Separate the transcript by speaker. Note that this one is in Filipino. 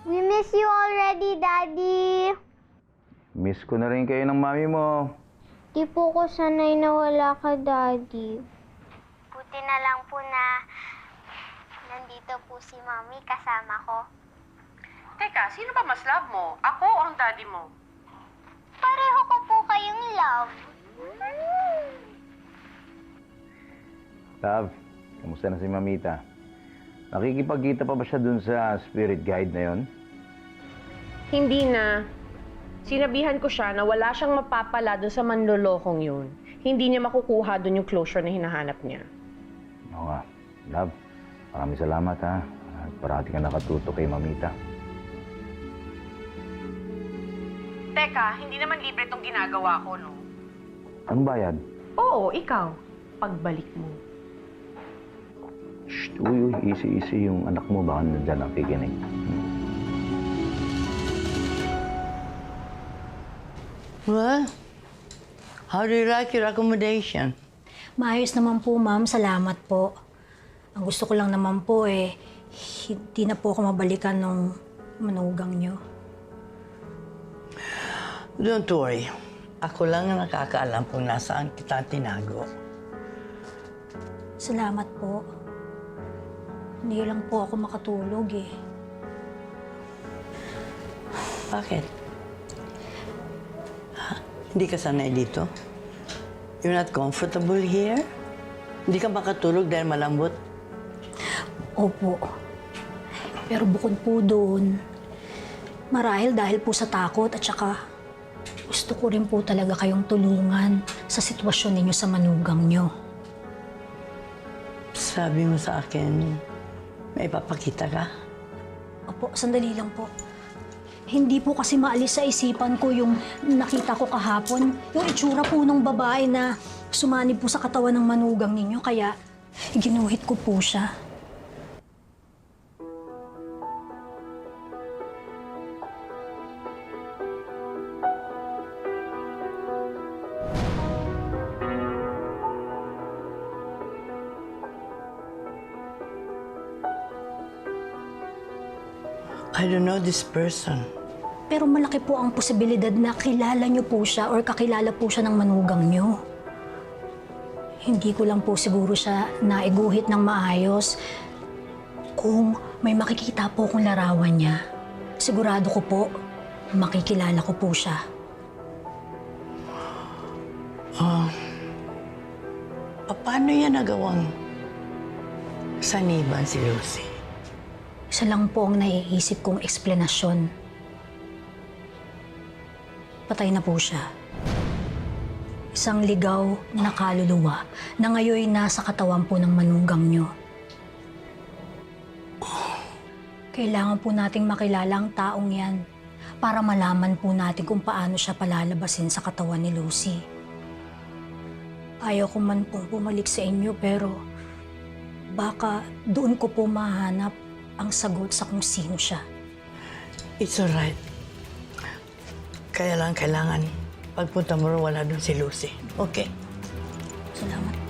Speaker 1: We miss you already, Daddy.
Speaker 2: Miss ko na rin kayo ng mami mo.
Speaker 1: Di po ko sanay na wala ka, Daddy. Buti na lang po na nandito po si Mami kasama ko.
Speaker 3: Teka, sino ba mas love mo? Ako o ang daddy mo?
Speaker 1: Pareho ko po kayong love.
Speaker 2: Tav, kamusta na si Mamita? Nakikipagkita pa ba siya dun sa spirit guide na yon?
Speaker 3: Hindi na. Sinabihan ko siya na wala siyang mapapala dun sa manlolokong yun. Hindi niya makukuha dun yung closure na hinahanap niya.
Speaker 2: Oo nga. Love, maraming salamat ha. At parati ka nakatuto kay Mamita.
Speaker 3: Teka, hindi naman libre itong ginagawa ko, no?
Speaker 2: Anong bayad?
Speaker 3: Oo, ikaw. Pagbalik mo.
Speaker 2: Shh, uy, easy yung anak mo. Baka nandyan ang piginig.
Speaker 4: Well, how do you like your accommodation?
Speaker 5: Maayos naman po, ma'am. Salamat po. Ang gusto ko lang naman po hindi na po ako mabalikan nung manugang nyo.
Speaker 4: Don't worry. Ako lang ang nakakaalam kung nasaan kita tinago.
Speaker 5: Salamat po. Hindi lang po ako makatulog
Speaker 4: Bakit? Hindi ka sanay dito? You're not comfortable here? Hindi ka makatulog dahil malambot?
Speaker 5: Opo. Pero bukod po doon, marahil dahil po sa takot at saka gusto ko rin po talaga kayong tulungan sa sitwasyon ninyo sa manugang nyo.
Speaker 4: Sabi mo sa akin, may ipapakita ka?
Speaker 5: Opo, sandali lang po. Hindi po kasi maalis sa isipan ko yung nakita ko kahapon. Yung itsura po ng babae na sumanib po sa katawan ng manugang ninyo. Kaya ginuhit ko po siya.
Speaker 4: I don't know this person.
Speaker 5: Pero malaki po ang posibilidad na kilala niyo po siya or kakilala po siya ng manugang niyo. Hindi ko lang po siguro siya naiguhit ng maayos. Kung may makikita po kong larawan niya, sigurado ko po, makikilala ko po siya.
Speaker 4: Paano niya nagawang saniban si Lucy?
Speaker 5: Isa lang po ang naiisip kong eksplanasyon. Patay na po siya. Isang ligaw na kaluluwa na ngayon nasa katawan po ng manugang nyo. Kailangan po nating makilala ang taong yan para malaman po natin kung paano siya palalabasin sa katawan ni Lucy. Ayaw ko man pong bumalik sa inyo pero baka doon ko po mahanap ang sagot sa kung sino siya.
Speaker 4: It's alright. Kaya lang kailangan pagpunta mo rin wala doon si Lucy. Okay?
Speaker 5: Salamat.